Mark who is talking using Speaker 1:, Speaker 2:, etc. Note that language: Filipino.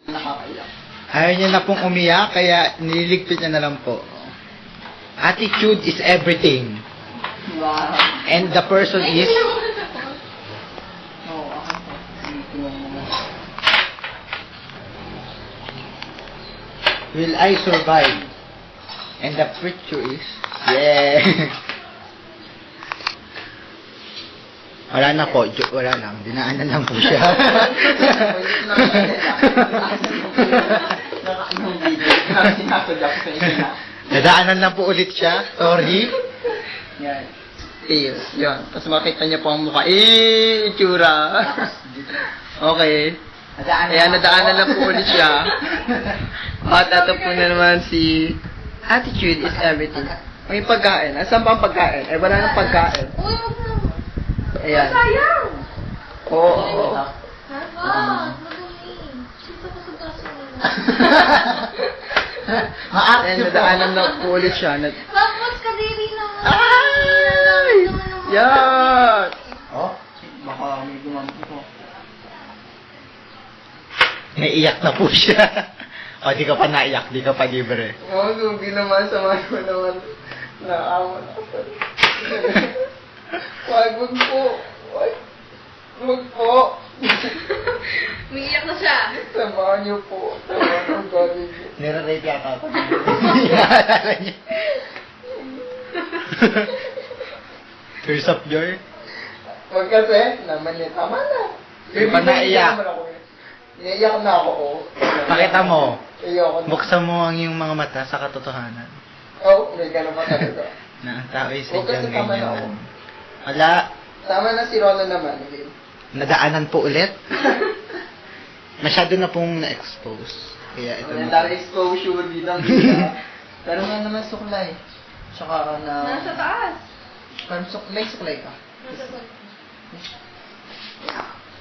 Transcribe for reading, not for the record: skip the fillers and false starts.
Speaker 1: Nakakaiyak.
Speaker 2: Ayaw niya na pong umiyak, kaya nililigpit niya na lang po. Attitude is everything.
Speaker 1: Wow.
Speaker 2: And the person is...
Speaker 1: Oo, ako po. Dito lang naman.
Speaker 2: Will I survive? And the picture is... Yeah! Wala na po. Wala lang. Dinaanan lang po siya.
Speaker 1: Nakaanong video. Sinasadya ko sa inyo na.
Speaker 2: Nadaanan lang po ulit siya. Sorry.
Speaker 1: Yan. Tails. Yan. Tapos makita niya po ang mukha. Itsura. Okay. Ayan, nadaanan lang po ulit siya. At ito po na naman si Attitude is everything. May pagkain. Asan pa ang pagkain? Eh, wala nang pagkain.
Speaker 3: Uy, wag na.
Speaker 1: Ayan.
Speaker 3: Sayang!
Speaker 1: Oo.
Speaker 3: Ha? Wag! Madumi. Sito ko sa braso nila.
Speaker 1: Ayan, nadaanan lang po ulit siya.
Speaker 3: Wag, mas kadiri naman.
Speaker 1: Ay! Yan!
Speaker 2: Oh?
Speaker 1: Baka may gumamit ko.
Speaker 2: Naiyak na po siya. O, di ka pa naiyak. Di ka pa libre.
Speaker 1: Oo, hindi naman sa mga ko naman. Naawa na ako. Wag po. Wag po.
Speaker 3: Umiiyak na siya.
Speaker 1: Samahan niyo po. Samahan ang galing niyo.
Speaker 2: Nire-rate yata ako. Naalala niya. Tears of joy.
Speaker 1: Wag kasi. Naman niya. Tama na.
Speaker 2: Di pa naiyak.
Speaker 1: Naiyak na ako. Oh.
Speaker 2: Pakita mo.
Speaker 1: Ayoko na.
Speaker 2: Buksan mo ang iyong mga mata sa katotohanan.
Speaker 1: Oh, may gano'n pa talaga.
Speaker 2: Na ang tao ay
Speaker 1: Huwag kasi
Speaker 2: sadyang
Speaker 1: tama na ako.
Speaker 2: ganyan. Wala.
Speaker 1: Tama na si Rona naman. Okay.
Speaker 2: Nadaanan po ulit. Masyado na pong na-expose. Kaya ito
Speaker 1: Wala
Speaker 2: na.
Speaker 1: tayo exposure dito. Pero nga naman suklay. Tsaka na...
Speaker 3: Nasa taas.
Speaker 1: May suklay ka.
Speaker 3: Nasa taas.